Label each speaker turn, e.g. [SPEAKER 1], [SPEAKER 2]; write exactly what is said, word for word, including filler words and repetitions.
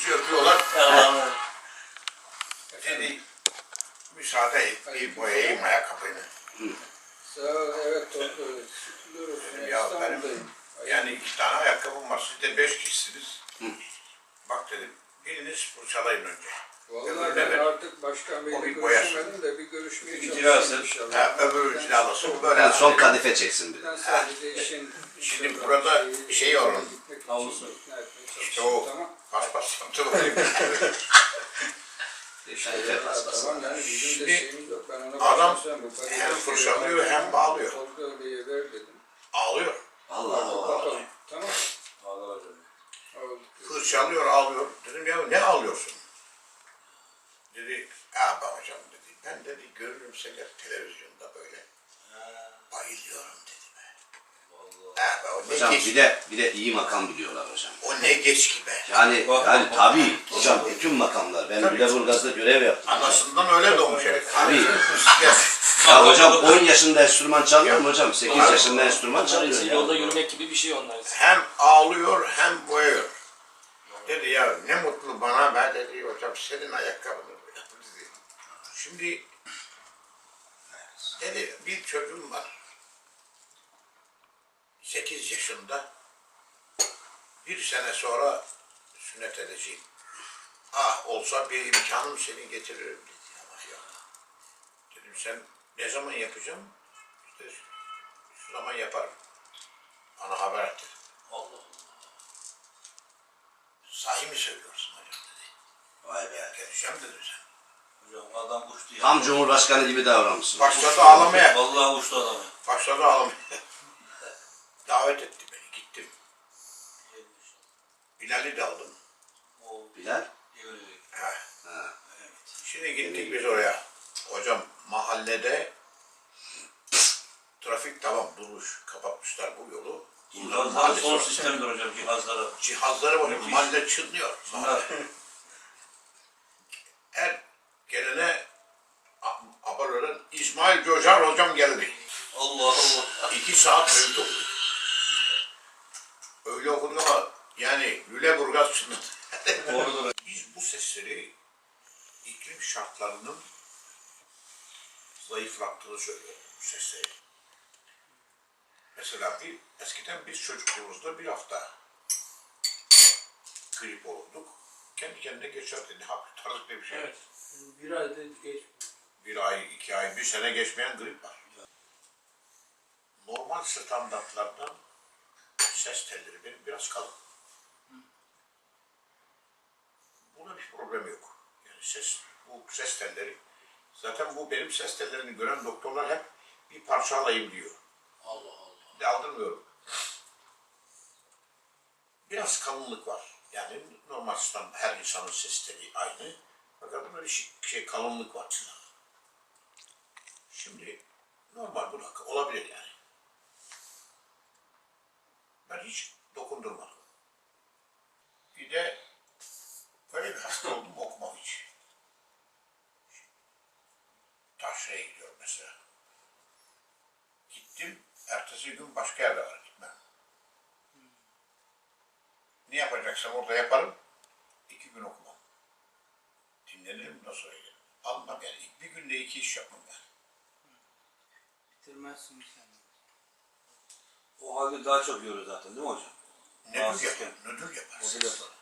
[SPEAKER 1] yapıyorlar. Dedi müsaade et bir boyayayım ayakkabını.
[SPEAKER 2] Sağ ol, evet doğru.
[SPEAKER 1] Dedim ya benim yani iki tane ayakkabım var. Siz de beş kişisiniz. Bak dedim biriniz fırçalayın önce.
[SPEAKER 2] Vallahi ben artık başkan beyle görüşmedim de bir görüşmeye çalışayım inşallah.
[SPEAKER 1] Ha, öbürü cilalasın. Böyle
[SPEAKER 3] Yani son kadife çeksin bir.
[SPEAKER 2] Ben sadece işin...
[SPEAKER 1] Şimdi burada şey onun.
[SPEAKER 2] Havlusu.
[SPEAKER 1] İşte o paspas yaptı.
[SPEAKER 3] Kadife paspası.
[SPEAKER 2] Tamam yani bizim de şeyimiz yok. Ben ona
[SPEAKER 1] Adam
[SPEAKER 2] başlasam,
[SPEAKER 1] hem fırçalıyor hem bağlıyor.
[SPEAKER 2] Tolga Bey'e ver dedim.
[SPEAKER 1] Ağlıyor.
[SPEAKER 3] Allah Allah.
[SPEAKER 2] Bakalım. Tamam.
[SPEAKER 4] Ağlar
[SPEAKER 1] Fırçalıyor, ağlıyor. Dedim ya ne ağlıyorsun? Dedi, ya bak hocam dedi, ben dedi görürüm seni televizyonda böyle. Bayılıyorum dedi be. Ha, be o ne
[SPEAKER 3] Hocam
[SPEAKER 1] geç,
[SPEAKER 3] bir de bir de iyi makam biliyorlar hocam.
[SPEAKER 1] o ne geç ki be.
[SPEAKER 3] Yani yani tabii hocam bütün makamlar. Ben Lüleburgaz'da görev yaptım.
[SPEAKER 1] Anasından öyle doğmuş herif.
[SPEAKER 3] Tabii.
[SPEAKER 1] Ya,
[SPEAKER 3] Ya hocam on yaşında enstrüman çalıyor mu hocam? sekiz yaşında enstrüman çalıyor.
[SPEAKER 5] Için
[SPEAKER 3] Ya.
[SPEAKER 5] yolda yürümek gibi bir şey onlar için.
[SPEAKER 1] hem ağlıyor hem boyuyor. Dedi ya ne mutlu bana be dedi hocam senin ayakkabını boyadım dedi. Şimdi dedi bir çocuğum var. sekiz yaşında bir sene sonra sünnet edeceğim. Ah olsa bir imkanım seni getiririm dedi. Ama ya. Dedim sen ne zaman yapacağım? İşte şu zaman yaparım. Bana haber et dedi.
[SPEAKER 4] Allah Allah.
[SPEAKER 1] Sahi mi söylüyorsun hocam dedi.
[SPEAKER 3] Vay be.
[SPEAKER 1] Geleceğim dedim sen.
[SPEAKER 4] Hocam adam uçtu ya.
[SPEAKER 3] Tam Cumhurbaşkanı gibi davranmışsın.
[SPEAKER 1] Başladı ağlamaya.
[SPEAKER 4] Vallahi uçtu adamı.
[SPEAKER 1] Başladı ağlamaya. Davet etti beni. Gittim. Bilal'i de aldım.
[SPEAKER 4] O
[SPEAKER 3] Bilal.
[SPEAKER 4] yürüyecek.
[SPEAKER 1] Ha.
[SPEAKER 3] Ha.
[SPEAKER 1] Şimdi gittik biz oraya. Hocam mahallede trafik tamam durmuş. Kapatmışlar bu yolu.
[SPEAKER 4] Cihazlar son sistemdir hocam cihazları.
[SPEAKER 1] Cihazları var. Mahalle çınlıyor.
[SPEAKER 4] Bunlar
[SPEAKER 1] Her gelene Abalören İsmail Coşar hocam geldi.
[SPEAKER 4] Allah Allah.
[SPEAKER 1] İki saat öyle okuduk. Öyle okuduk ama yani Lüleburgaz çınladı.
[SPEAKER 4] Doğrudur.
[SPEAKER 1] Biz bu sesleri iklim şartlarının zayıflattığını söylüyoruz bu sesleri. Mesela bir, eskiden biz çocukluğumuzda bir hafta grip olurduk. Kendi kendine geçerdi. Ne hafif tarzı bir şey.
[SPEAKER 5] Evet.
[SPEAKER 2] Bir ayda geç.
[SPEAKER 1] Bir ay, iki ay, bir sene geçmeyen grip var. Normal standartlardan ses telleri benim biraz kalın. Buna bir problem yok. Yani ses, bu ses telleri, zaten bu benim ses tellerini gören doktorlar hep bir parça alayım diyor.
[SPEAKER 4] Allah Allah.
[SPEAKER 1] De aldırmıyorum. Biraz kalınlık var. Yani normal stand, her insanın ses teli aynı. Fakat bunda bir şey, şey kalınlık var. Şimdi normal bu da olabilir yani. Ben hiç dokundurmadım. Bir de böyle bir hasta oldum okumam hiç. Taşra'ya gidiyorum mesela. Gittim, ertesi gün başka yerde var gitmem. Ne yapacaksam orada yaparım, iki gün okumam. Dinlenirim, nasıl öyle? Almam yani, bir günde iki iş yapmam yani.
[SPEAKER 2] Bitirmezsin sen.
[SPEAKER 4] O halde daha çok yoruyor zaten değil mi hocam?
[SPEAKER 1] Nödül yapar, nödül yapar.
[SPEAKER 4] O da yapar.